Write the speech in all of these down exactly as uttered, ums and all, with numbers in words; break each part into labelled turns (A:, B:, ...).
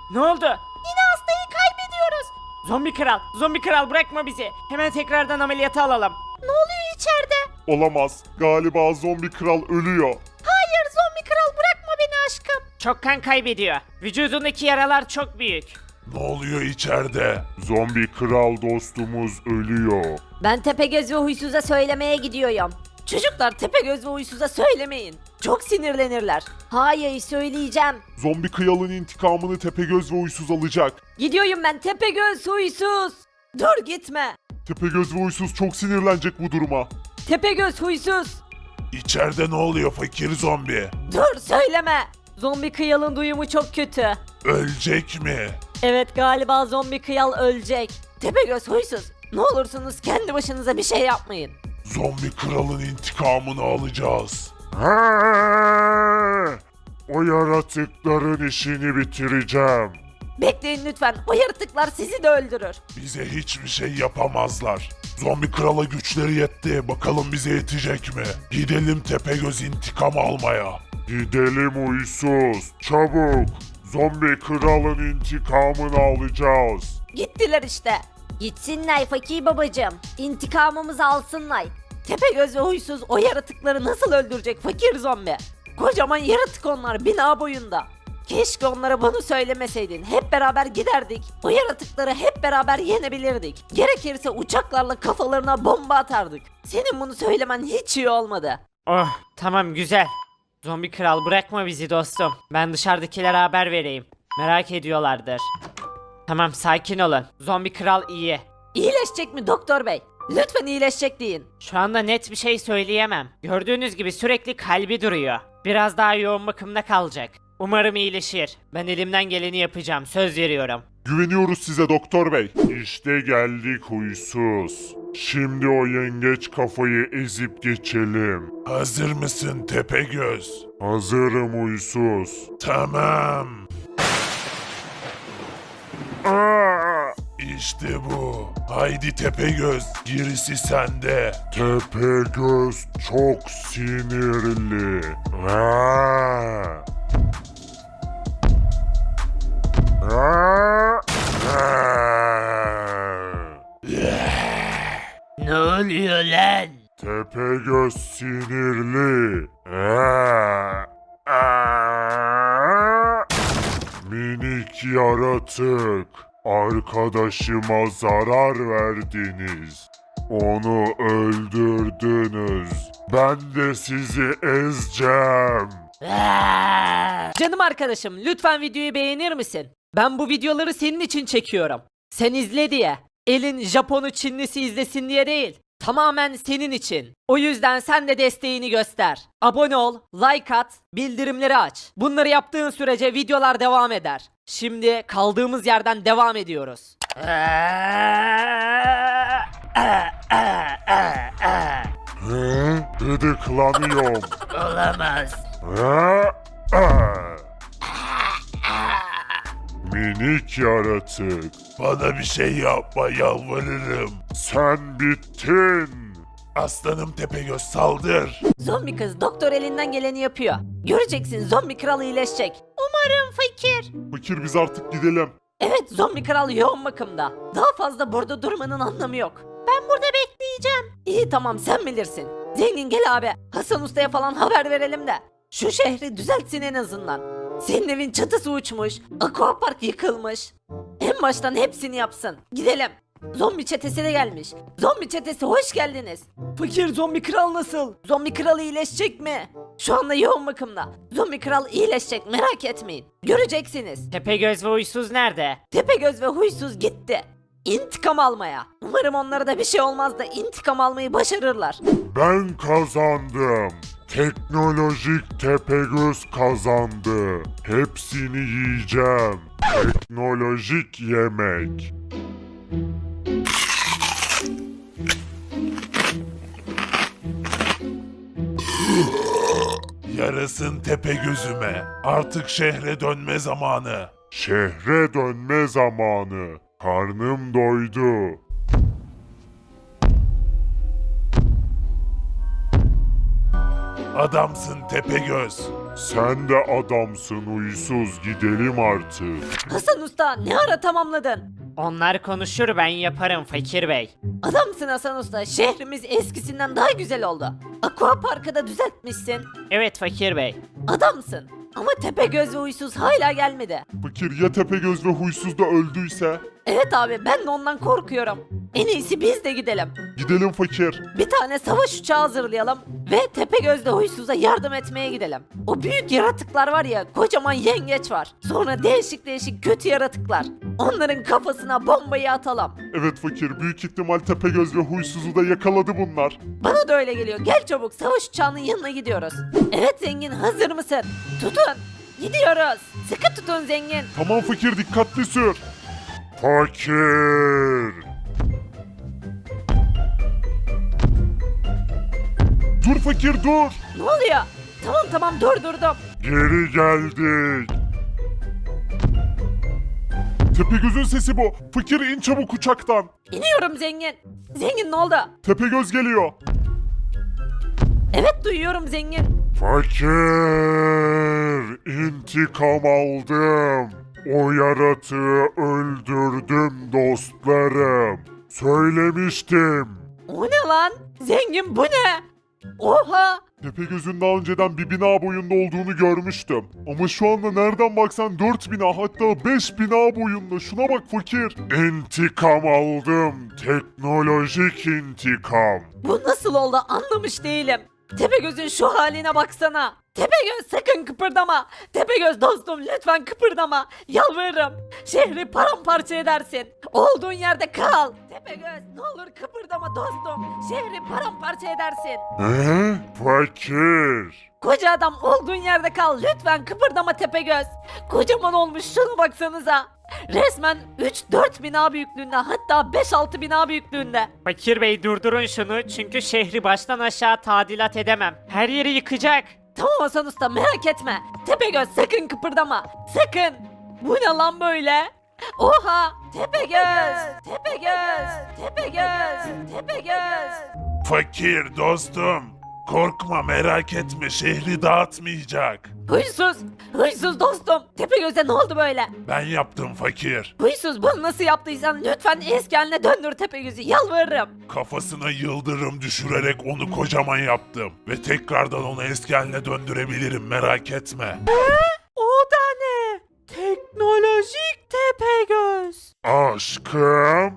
A: Ne oldu? Yine hastayı kaybediyoruz. Zombi kral, zombi kral bırakma bizi. Hemen tekrardan ameliyata alalım. Ne oluyor içeride?
B: Olamaz. Galiba zombi kral ölüyor.
A: Hayır zombi kral bırakma beni aşkım. Çok kan kaybediyor. Vücudundaki yaralar çok büyük.
B: Ne oluyor içeride? Zombi kral dostumuz ölüyor.
C: Ben Tepegöz ve Huysuz'a söylemeye gidiyorum. Çocuklar Tepegöz ve Huysuz'a söylemeyin. Çok sinirlenirler. Hayır söyleyeceğim.
B: Zombi kralın intikamını Tepegöz ve Uysuz alacak.
C: Gidiyorum ben Tepegöz Huysuz. Dur gitme.
B: Tepegöz ve Uysuz çok sinirlenecek bu duruma.
C: Tepegöz Huysuz.
B: İçeride ne oluyor fakir zombi?
C: Dur söyleme. Zombi kıyalın duyumu çok kötü.
B: Ölecek mi?
C: Evet galiba zombi kıyal ölecek. Tepegöz Huysuz. Ne olursunuz kendi başınıza bir şey yapmayın.
B: Zombi kralın intikamını alacağız. O yaratıkların işini bitireceğim.
C: Bekleyin lütfen. O yaratıklar sizi de öldürür.
B: Bize hiçbir şey yapamazlar. Zombi krala güçleri yetti. Bakalım bize yetecek mi? Gidelim Tepegöz intikam almaya. Gidelim Uysuz. Çabuk. Zombi kralın intikamını alacağız.
C: Gittiler işte. Gitsinler fakir babacığım. İntikamımızı alsınlar. Tepegöz ve Huysuz o yaratıkları nasıl öldürecek fakir zombi? Kocaman yaratık onlar bina boyunda. Keşke onlara bunu söylemeseydin. Hep beraber giderdik. O yaratıkları hep beraber yenebilirdik. Gerekirse uçaklarla kafalarına bomba atardık. Senin bunu söylemen hiç iyi olmadı.
A: Oh tamam güzel. Zombi kral bırakma bizi dostum. Ben dışarıdakilere haber vereyim. Merak ediyorlardır. Tamam sakin olun. Zombi kral iyi.
C: İyileşecek mi doktor bey? Lütfen iyileşecek deyin.
A: Şu anda net bir şey söyleyemem. Gördüğünüz gibi sürekli kalbi duruyor. Biraz daha yoğun bakımda kalacak. Umarım iyileşir. Ben elimden geleni yapacağım. Söz veriyorum.
B: Güveniyoruz size doktor bey. İşte geldik Huysuz. Şimdi o yengeç kafayı ezip geçelim. Hazır mısın Tepegöz? Hazırım Huysuz. Tamam. Aa! İşte bu. Haydi Tepegöz, gerisi sende. Tepegöz çok sinirli. Aa! Aa!
A: Ne oluyor lan?
B: Tepegöz sinirli. Aa! Aa! Minik yaratık. Arkadaşıma zarar verdiniz. Onu öldürdünüz. Ben de sizi ezeceğim.
C: Canım arkadaşım lütfen videoyu beğenir misin? Ben bu videoları senin için çekiyorum. Sen izle diye. Elin Japon'u Çinlisi izlesin diye değil. Tamamen senin için. O yüzden sen de desteğini göster. Abone ol, like at, bildirimleri aç. Bunları yaptığın sürece videolar devam eder. Şimdi kaldığımız yerden devam ediyoruz.
B: Hı? Gıdıklanıyorum.
A: Olamaz.
B: Aa! Aa! Minik yaratık. Bana bir şey yapma yalvarırım. Sen bittin. Aslanım Tepegöz saldır.
C: Zombi kız doktor elinden geleni yapıyor. Göreceksin zombi kral iyileşecek. Umarım fakir.
B: Fakir biz artık gidelim.
C: Evet zombi kral yoğun bakımda. Daha fazla burada durmanın anlamı yok. Ben burada bekleyeceğim. İyi tamam sen bilirsin. Zengin gel abi. Hasan Usta'ya falan haber verelim de. Şu şehri düzeltsin en azından. Senin evin çatısı uçmuş. Aquapark yıkılmış. En baştan hepsini yapsın. Gidelim. Zombi çetesi de gelmiş. Zombi çetesi hoş geldiniz. Fakir zombi kral nasıl? Zombi kral iyileşecek mi? Şu anda yoğun bakımda. Zombi kral iyileşecek merak etmeyin. Göreceksiniz.
A: Tepegöz ve Uysuz nerede?
C: Tepegöz ve Huysuz gitti. İntikam almaya. Umarım onlara da bir şey olmaz da intikam almayı başarırlar.
B: Ben kazandım. Teknolojik Tepegöz kazandı. Hepsini yiyeceğim. Teknolojik yemek. Yarasın Tepegözüme. Artık şehre dönme zamanı. Şehre dönme zamanı. Karnım doydu. Adamsın Tepegöz. Sen de adamsın huysuz, gidelim artık.
C: Hasan Usta ne ara tamamladın?
A: Onlar konuşur ben yaparım Fakir Bey.
C: Adamsın Hasan Usta. Şehrimiz eskisinden daha güzel oldu. Aqua Park'ı da düzeltmişsin.
A: Evet Fakir Bey.
C: Adamsın. Ama Tepegöz ve Huysuz hala gelmedi.
B: Fakir ya Tepegöz ve huysuz da öldüyse?
C: Evet abi ben de ondan korkuyorum. En iyisi biz de gidelim.
B: Gidelim fakir.
C: Bir tane savaş uçağı hazırlayalım ve Tepegöz'le Huysuz'a yardım etmeye gidelim. O büyük yaratıklar var ya, kocaman yengeç var. Sonra değişik değişik kötü yaratıklar. Onların kafasına bombayı atalım.
B: Evet fakir, büyük ihtimal Tepegöz ve huysuzu da yakaladı bunlar.
C: Bana da öyle geliyor. Gel çabuk, savaş uçağının yanına gidiyoruz. Evet zengin, hazır mısın? Tutun. Gidiyoruz. Sıkı tutun zengin.
B: Tamam fakir, dikkatli sür. Fakir. Dur fakir dur.
C: Ne oluyor? Tamam tamam durdurdum.
B: Geri geldik. Tepegöz'ün sesi bu. Fakir in çabuk uçaktan.
C: İniyorum zengin. Zengin ne oldu?
B: Tepegöz geliyor.
C: Evet duyuyorum zengin.
B: Fakir, intikam aldım. O yaratığı öldürdüm dostlarım. Söylemiştim.
C: O ne lan? Zengin bu ne? Oha!
B: Tepegöz'ün daha önceden bir bina boyunda olduğunu görmüştüm. Ama şu anda nereden baksan dört bina, hatta beş bina boyunda. Şuna bak fakir. İntikam aldım. Teknolojik intikam.
C: Bu nasıl oldu anlamış değilim. Tepegöz'ün şu haline baksana. Tepegöz sakın kıpırdama. Tepegöz dostum lütfen kıpırdama. Yalvarırım. Şehri paramparça edersin. Olduğun yerde kal. Tepegöz ne olur kıpırdama dostum. Şehri paramparça edersin.
B: He? Fakir.
C: Koca adam olduğun yerde kal. Lütfen kıpırdama Tepegöz. Kocaman olmuş şuna baksanıza. Resmen üç dört bina büyüklüğünde, hatta beş altı bina büyüklüğünde.
A: Fakir Bey durdurun şunu çünkü şehri baştan aşağı tadilat edemem. Her yeri yıkacak.
C: Tamam Hasan Usta merak etme. Tepegöz sakın kıpırdama. Sakın. Bu ne lan böyle? Oha! Tepegöz! Tepegöz! Tepegöz! Tepegöz!
B: Fakir dostum. Korkma, merak etme, şehri dağıtmayacak.
C: Huysuz! Huysuz dostum! Tepegöz'e ne oldu böyle?
B: Ben yaptım fakir.
C: Huysuz bunu nasıl yaptıysan lütfen eski haline döndür Tepegöz'ü yalvarırım.
B: Kafasına yıldırım düşürerek onu kocaman yaptım. Ve tekrardan onu eski haline döndürebilirim, merak etme.
A: O da ne? Teknolojik Tepegöz.
B: Aşkım.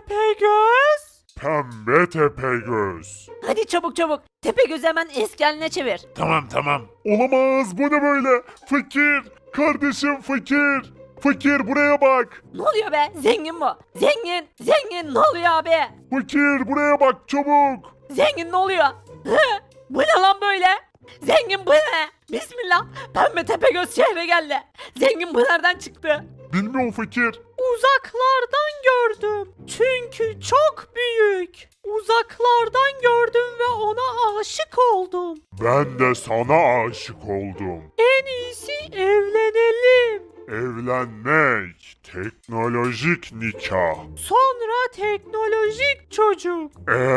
A: Tepegöz?
B: Pembe Tepegöz.
C: Hadi çabuk çabuk. Tepegöz'ü hemen eski haline çevir.
B: Tamam tamam. Olamaz, bu ne böyle? Fakir. Kardeşim fakir. Fakir buraya bak.
C: Ne oluyor be? Zengin bu. Zengin! Zengin ne oluyor abi?
B: Fakir buraya bak çabuk.
C: Zengin ne oluyor? Hı? Bu ne lan böyle? Zengin bu ne? Bismillah. Pembe Tepegöz şehre geldi. Zengin bu nereden çıktı?
B: Bilmiyorum fakir.
A: Uzaklardan gördüm. Çünkü çok büyük. Uzaklardan gördüm ve ona aşık oldum.
B: Ben de sana aşık oldum.
A: En iyisi evlenelim.
B: Evlenmek. Teknolojik nikah.
A: Sonra teknolojik çocuk.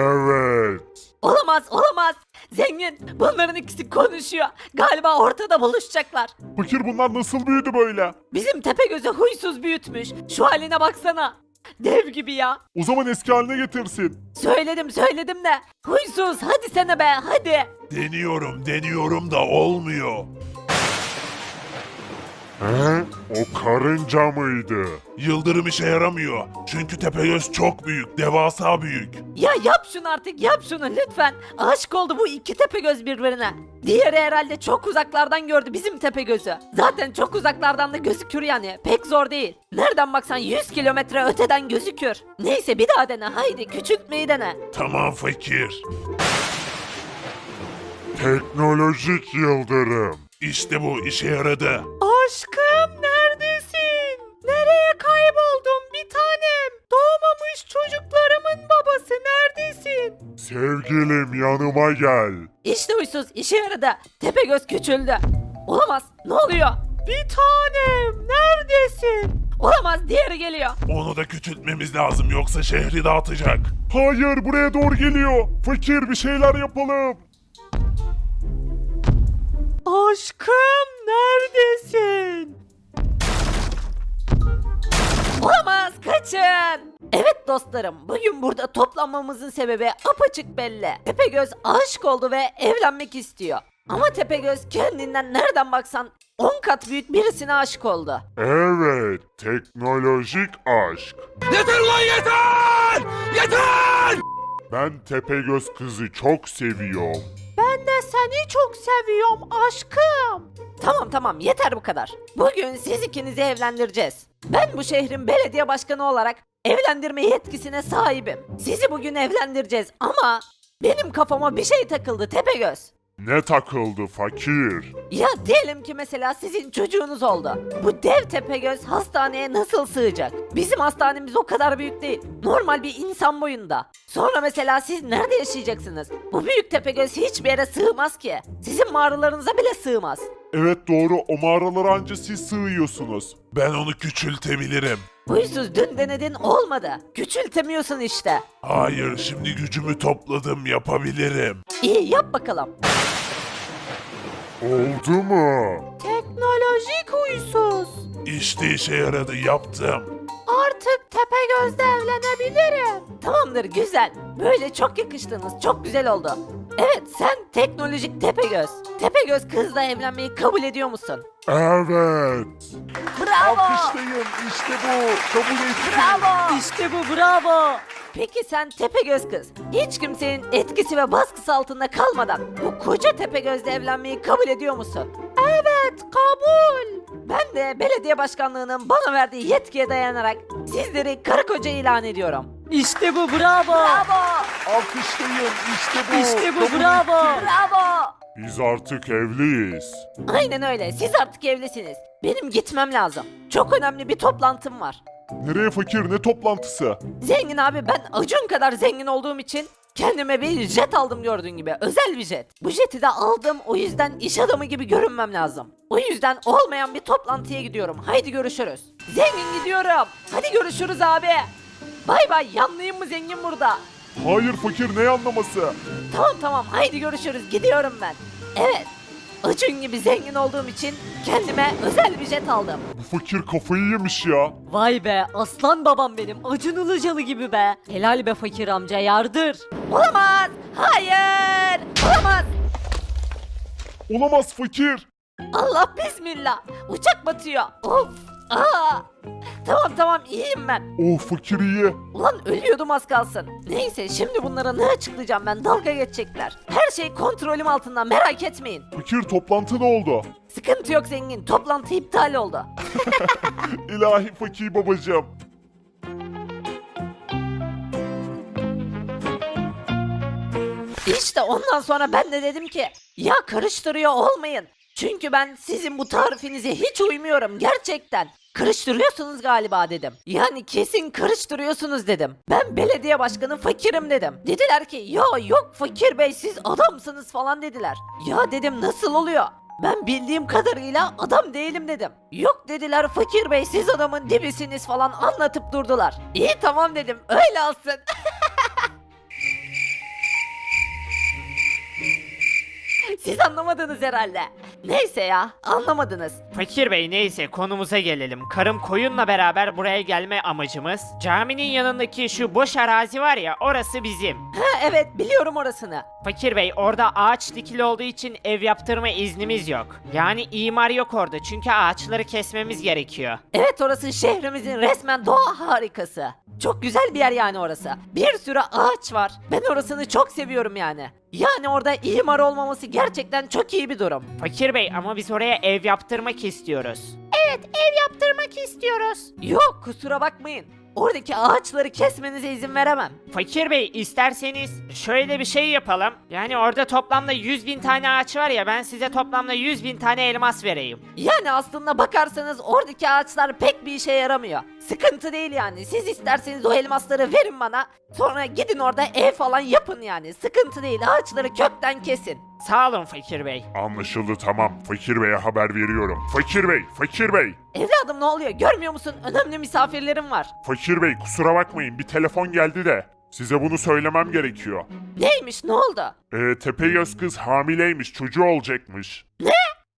B: Evet.
C: Olamaz olamaz. Zengin bunların ikisi konuşuyor. Galiba ortada buluşacaklar.
B: Fakir bunlar nasıl büyüdü böyle?
C: Bizim Tepegöz'ü huysuz büyütmüş. Şu haline baksana. Dev gibi ya.
B: O zaman eski haline getirsin.
C: Söyledim söyledim de. Huysuz hadi sene be hadi.
B: Deniyorum deniyorum da olmuyor. He? O karınca mıydı? Yıldırım işe yaramıyor. Çünkü Tepegöz çok büyük, devasa büyük.
C: Ya yap şunu artık yap şunu lütfen. Aşık oldu bu iki Tepegöz birbirine. Diğeri herhalde çok uzaklardan gördü bizim Tepegöz'ü. Zaten çok uzaklardan da gözükür yani. Pek zor değil. Nereden baksan yüz kilometre öteden gözükür. Neyse bir daha dene haydi küçültmeyi dene.
B: Tamam fakir. Teknolojik yıldırım. İşte bu işe yaradı.
A: Aşkım neredesin? Nereye kayboldun bir tanem? Doğmamış çocuklarımın babası neredesin?
B: Sevgilim yanıma gel.
C: İşte huysuz işe yaradı. Tepegöz küçüldü. Olamaz ne oluyor?
A: Bir tanem neredesin?
C: Olamaz diğeri geliyor.
B: Onu da küçültmemiz lazım, yoksa şehri dağıtacak. Hayır, buraya doğru geliyor. Fakir bir şeyler yapalım.
A: Aşkım neredesin?
C: Olamaz, kaçın. Evet dostlarım, bugün burada toplanmamızın sebebi apaçık belli. Tepegöz aşık oldu ve evlenmek istiyor. Ama Tepegöz kendinden nereden baksan on kat büyük birisine aşık oldu.
B: Evet, teknolojik aşk.
D: Yeter lan yeter! Yeter!
B: Ben Tepegöz kızı çok seviyorum.
A: Ben de seni çok seviyorum aşkım.
C: Tamam tamam, yeter bu kadar. Bugün siz ikinizi evlendireceğiz. Ben bu şehrin belediye başkanı olarak evlendirme yetkisine sahibim. Sizi bugün evlendireceğiz ama benim kafama bir şey takıldı Tepegöz.
B: Ne takıldı fakir?
C: Ya diyelim ki mesela sizin çocuğunuz oldu. Bu dev Tepegöz hastaneye nasıl sığacak? Bizim hastanemiz o kadar büyük değil. Normal bir insan boyunda. Sonra mesela siz nerede yaşayacaksınız? Bu büyük Tepegöz hiçbir yere sığmaz ki. Sizin mağaralarınıza bile sığmaz.
B: Evet doğru, o mağaralara anca siz sığıyorsunuz. Ben onu küçültebilirim.
C: Huysuz dün denedin olmadı. Küçültemiyorsun işte.
B: Hayır, şimdi gücümü topladım, yapabilirim.
C: İyi yap bakalım.
B: Oldu mu?
A: Teknolojik huysuz.
B: İşte işe yaradı, yaptım.
A: Artık Tepegöz'le evlenebilirim.
C: Tamamdır güzel. Böyle çok yakıştınız. Çok güzel oldu. Evet sen teknolojik Tepegöz. Tepegöz kızla evlenmeyi kabul ediyor musun?
B: Evet.
C: Bravo.
B: Alkışlayın, işte bu. Kabul ettim.
C: Bravo.
A: İşte bu bravo.
C: Peki sen Tepegöz kız, hiç kimsenin etkisi ve baskısı altında kalmadan bu koca Tepegöz'le evlenmeyi kabul ediyor musun?
A: Evet kabul.
C: Ben de belediye başkanlığının bana verdiği yetkiye dayanarak sizleri karı koca ilan ediyorum.
A: İşte bu bravo.
C: Bravo!
B: Alkışlayın, işte bu.
A: İşte bu
B: Kabul
A: bravo.
B: ettim.
C: Bravo!
B: Biz artık evliyiz.
C: Aynen öyle, siz artık evlisiniz. Benim gitmem lazım. Çok önemli bir toplantım var.
B: Nereye fakir, ne toplantısı?
C: Zengin abi, ben Acun kadar zengin olduğum için kendime bir jet aldım gördüğün gibi. Özel bir jet. Bu jeti de aldım, o yüzden iş adamı gibi görünmem lazım. O yüzden olmayan bir toplantıya gidiyorum. Haydi görüşürüz. Zengin gidiyorum. Hadi görüşürüz abi. Bay bay, yanlıyım mı zengin burada?
B: Hayır fakir, ne anlaması?
C: Tamam tamam, haydi görüşürüz, gidiyorum ben. Evet, Acun gibi zengin olduğum için kendime özel bir jet aldım.
B: Bu fakir kafayı yemiş ya.
A: Vay be aslan babam benim Acun Ilıcalı gibi be. Helal be fakir amca yardır.
C: Olamaz! Hayır! Olamaz!
B: Olamaz fakir.
C: Allah bismillah! Uçak batıyor. Of! Aa! Tamam tamam, iyiyim ben.
B: Oh fakir iyi.
C: Ulan ölüyordum az kalsın. Neyse, şimdi bunlara ne açıklayacağım ben, dalga geçecekler. Her şey kontrolüm altında, merak etmeyin.
B: Fakir, toplantı ne oldu?
C: Sıkıntı yok zengin, toplantı iptal oldu.
B: İlahi fakir babacığım.
C: İşte ondan sonra ben de dedim ki ya karıştırıyor olmayın. Çünkü ben sizin bu tarifinize hiç uymuyorum gerçekten. Karıştırıyorsunuz galiba dedim. Yani kesin karıştırıyorsunuz dedim. Ben belediye başkanı fakirim dedim. Dediler ki ya yok fakir bey, siz adamsınız falan dediler. Ya dedim, nasıl oluyor? Ben bildiğim kadarıyla adam değilim dedim. Yok dediler, fakir bey siz adamın dibisiniz falan anlatıp durdular. İyi tamam dedim, öyle alsın. Siz anlamadınız herhalde. Neyse ya, anlamadınız.
A: Fakir bey neyse konumuza gelelim. Karım koyunla beraber buraya gelme amacımız. Caminin yanındaki şu boş arazi var ya, orası bizim.
C: Ha evet, biliyorum orasını.
A: Fakir bey orada ağaç dikili olduğu için ev yaptırma iznimiz yok. Yani imar yok orada çünkü ağaçları kesmemiz gerekiyor.
C: Evet, orası şehrimizin resmen doğa harikası. Çok güzel bir yer yani orası. Bir sürü ağaç var. Ben orasını çok seviyorum yani. Yani orada imar olmaması gerçekten çok iyi bir durum.
A: Fakir bey ama biz oraya ev yaptırmak istiyoruz. Evet ev yaptırmak istiyoruz.
C: Yok, kusura bakmayın. Oradaki ağaçları kesmenize izin veremem.
A: Fakir bey isterseniz şöyle bir şey yapalım. Yani orada toplamda yüz bin tane ağaç var ya, ben size toplamda yüz bin tane elmas vereyim.
C: Yani aslında bakarsanız oradaki ağaçlar pek bir işe yaramıyor. Sıkıntı değil yani. Siz isterseniz o elmasları verin bana. Sonra gidin orada ev falan yapın yani. Sıkıntı değil. Ağaçları kökten kesin.
A: Sağ olun Fakir bey.
B: Anlaşıldı, tamam. Fakir beye haber veriyorum. Fakir bey, fakir bey.
C: Evladım ne oluyor? Görmüyor musun? Önemli misafirlerim var.
B: Fakir bey, kusura bakmayın, bir telefon geldi de. Size bunu söylemem gerekiyor.
C: Neymiş? Ne oldu?
B: Ee, Tepegöz kız hamileymiş, çocuğu olacakmış.
C: Ne?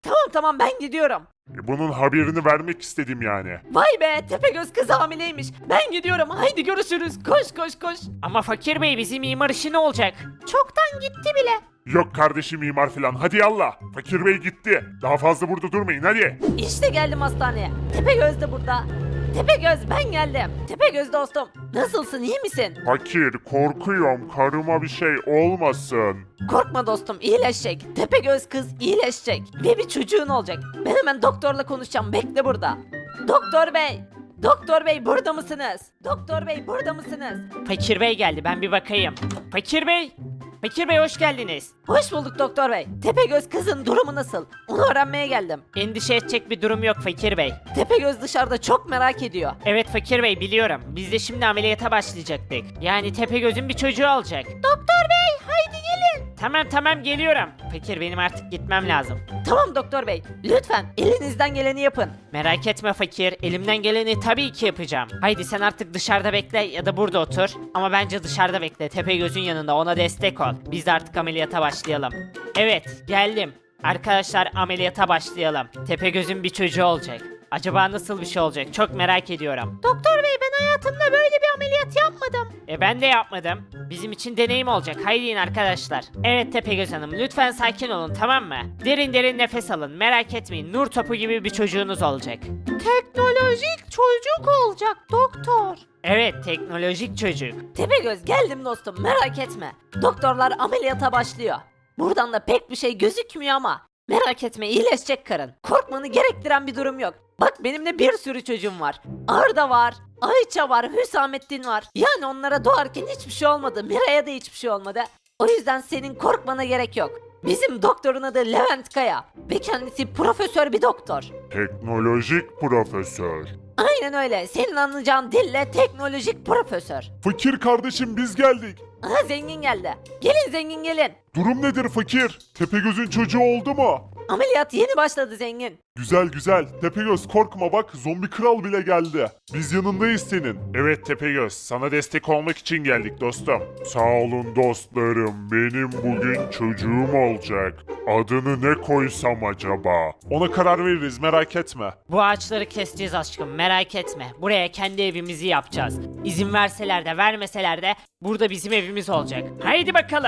C: Tamam tamam ben gidiyorum.
B: E, bunun haberini vermek istedim yani.
C: Vay be Tepegöz kız hamileymiş. Ben gidiyorum haydi görüşürüz. Koş koş koş.
A: Ama fakir bey bizim imar işi ne olacak?
C: Çoktan gitti bile.
B: Yok kardeşim mimar falan, hadi yallah. Fakir bey gitti. Daha fazla burada durmayın hadi.
C: İşte geldim hastaneye. Tepegöz de burada. Tepegöz ben geldim. Tepegöz dostum. Nasılsın iyi misin?
B: Fakir, korkuyorum karıma bir şey olmasın.
C: Korkma dostum iyileşecek. Tepegöz kız iyileşecek. Ve bir çocuğun olacak. Ben hemen doktorla konuşacağım. Bekle burada. Doktor bey. Doktor bey burada mısınız? Doktor bey burada mısınız?
A: Fakir bey geldi ben bir bakayım. Fakir bey. Fakir bey hoş geldiniz.
C: Hoş bulduk doktor bey. Tepegöz kızın durumu nasıl? Onu öğrenmeye geldim.
A: Endişe edecek bir durum yok Fakir bey.
C: Tepegöz dışarıda çok merak ediyor.
A: Evet Fakir bey biliyorum. Biz de şimdi ameliyata başlayacaktık. Yani Tepegöz'ün bir çocuğu olacak.
C: Doktor bey haydi gelin.
A: Tamam tamam geliyorum. Fakir benim artık gitmem lazım.
C: Tamam doktor bey. Lütfen elinizden geleni yapın.
A: Merak etme Fakir. Elimden geleni tabii ki yapacağım. Haydi sen artık dışarıda bekle ya da burada otur. Ama bence dışarıda bekle. Tepegöz'ün yanında ona destek ol. Biz de artık ameliyata başlayalım. Evet geldim. Arkadaşlar ameliyata başlayalım. Tepegöz'ün bir çocuğu olacak. Acaba nasıl bir şey olacak? Çok merak ediyorum.
C: Doktor bey ben hayatımda böyle bir ameliyat yapmadım.
A: E ben de yapmadım. Bizim için deneyim olacak. Haydi in arkadaşlar. Evet Tepegöz Hanım lütfen sakin olun tamam mı? Derin derin nefes alın. Merak etmeyin. Nur topu gibi bir çocuğunuz olacak.
C: Teknolojik çocuk olacak doktor.
A: Evet teknolojik çocuk.
C: Tepegöz geldim dostum merak etme. Doktorlar ameliyata başlıyor. Buradan da pek bir şey gözükmüyor ama merak etme iyileşecek karın. Korkmanı gerektiren bir durum yok. Bak benim de bir sürü çocuğum var. Arda var, Ayça var, Hüsamettin var. Yani onlara doğarken hiçbir şey olmadı. Miray'a da hiçbir şey olmadı. O yüzden senin korkmana gerek yok. Bizim doktorun adı Levent Kaya ve kendisi profesör bir doktor.
B: Teknolojik profesör.
C: Aynen öyle. Senin anlayacağın dille teknolojik profesör.
B: Fakir kardeşim biz geldik.
C: Aha zengin geldi. Gelin zengin gelin.
B: Durum nedir fakir? Tepegöz'ün çocuğu oldu mu?
C: Ameliyat yeni başladı zengin.
B: Güzel güzel. Tepegöz korkma bak zombi kral bile geldi. Biz yanındayız senin. Evet Tepegöz sana destek olmak için geldik dostum. Sağ olun dostlarım. Benim bugün çocuğum olacak. Adını ne koysam acaba? Ona karar veririz merak etme.
A: Bu ağaçları keseceğiz aşkım merak etme. Buraya kendi evimizi yapacağız. İzin verseler de vermeseler de burada bizim evimiz olacak. Haydi bakalım.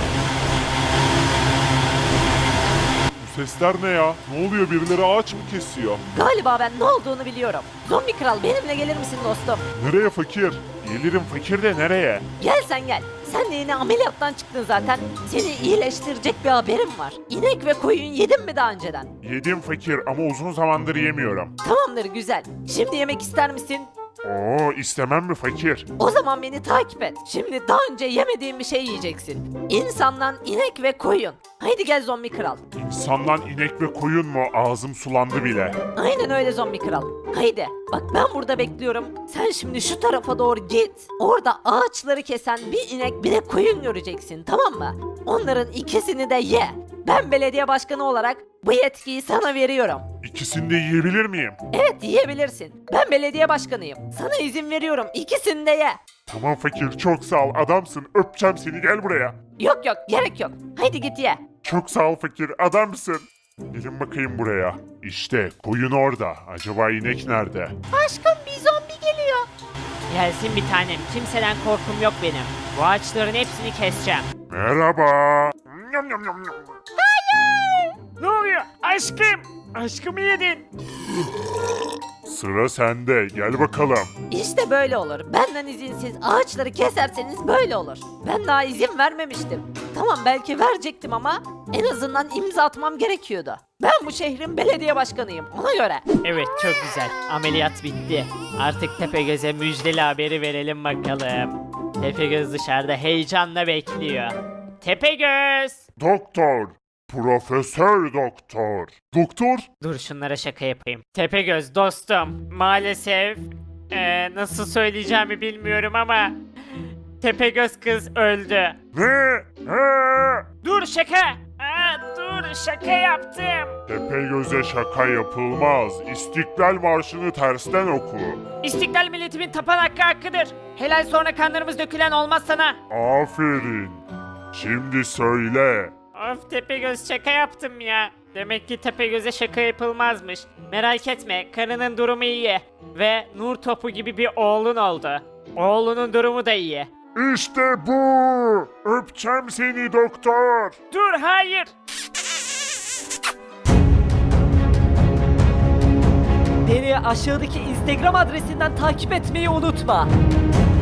B: Bu sesler ne ya? Ne oluyor birileri ağaç mı kesiyor?
C: Galiba ben ne olduğunu biliyorum. Zombi kral benimle gelir misin dostum?
B: Nereye fakir? Gelirim fakir de nereye?
C: Gel sen gel. Sen de yine ameliyattan çıktın zaten. Seni iyileştirecek bir haberim var. İnek ve koyun yedin mi daha önceden?
B: Yedim fakir ama uzun zamandır yemiyorum.
C: Tamamdır güzel. Şimdi yemek ister misin?
B: Oo istemem mi fakir?
C: O zaman beni takip et. Şimdi daha önce yemediğin bir şey yiyeceksin. İnsandan inek ve koyun. Haydi gel zombi kral.
B: İnsandan inek ve koyun mu? Ağzım sulandı bile.
C: Aynen öyle zombi kral. Haydi. Bak ben burada bekliyorum. Sen şimdi şu tarafa doğru git. Orada ağaçları kesen bir inek bir de koyun göreceksin tamam mı? Onların ikisini de ye. Ben belediye başkanı olarak bu yetkiyi sana veriyorum.
B: İkisini de yiyebilir miyim?
C: Evet yiyebilirsin. Ben belediye başkanıyım. Sana izin veriyorum. İkisini de ye.
B: Tamam fakir çok sağ ol adamsın öpeceğim seni gel buraya.
C: Yok yok gerek yok. Haydi git ye.
B: Çok sağ ol fakir adamsın. Gelin bakayım buraya. İşte koyun orada. Acaba inek nerede?
C: Aşkım bir zombi geliyor.
A: Gelsin bir tanem. Kimseden korkum yok benim. Bu ağaçların hepsini keseceğim.
B: Merhaba. Nyam, nyam, nyam, nyam.
A: Ne oluyor? Aşkım. Aşkımı yedin.
B: Sıra sende gel bakalım.
C: İşte böyle olur. Benden izinsiz ağaçları keserseniz böyle olur. Ben daha izin vermemiştim. Tamam belki verecektim ama en azından imza atmam gerekiyordu. Ben bu şehrin belediye başkanıyım ona göre.
A: Evet çok güzel. Ameliyat bitti. Artık Tepegöz'e müjdeli haberi verelim bakalım. Tepegöz dışarıda heyecanla bekliyor. Tepegöz!
B: Doktor. Profesör doktor. Doktor?
A: Dur şunlara şaka yapayım. Tepegöz dostum maalesef eee, nasıl söyleyeceğimi bilmiyorum ama Tepegöz kız öldü.
B: Ne? He?
A: Dur şaka! Aa, dur şaka yaptım.
B: Tepegöz'e şaka yapılmaz. İstiklal Marşı'nı tersten oku.
A: İstiklal milletimin tapan hakkı hakkıdır. Helal sonra kanlarımız dökülen olmaz sana.
B: Aferin. Şimdi söyle.
A: Of Tepegöz şaka yaptım ya. Demek ki Tepegöz'e şaka yapılmazmış. Merak etme, karının durumu iyi. Ve nur topu gibi bir oğlun oldu. Oğlunun durumu da iyi.
B: İşte bu. Öpeceğim seni doktor.
A: Dur, hayır.
C: Beni aşağıdaki Instagram adresinden takip etmeyi unutma.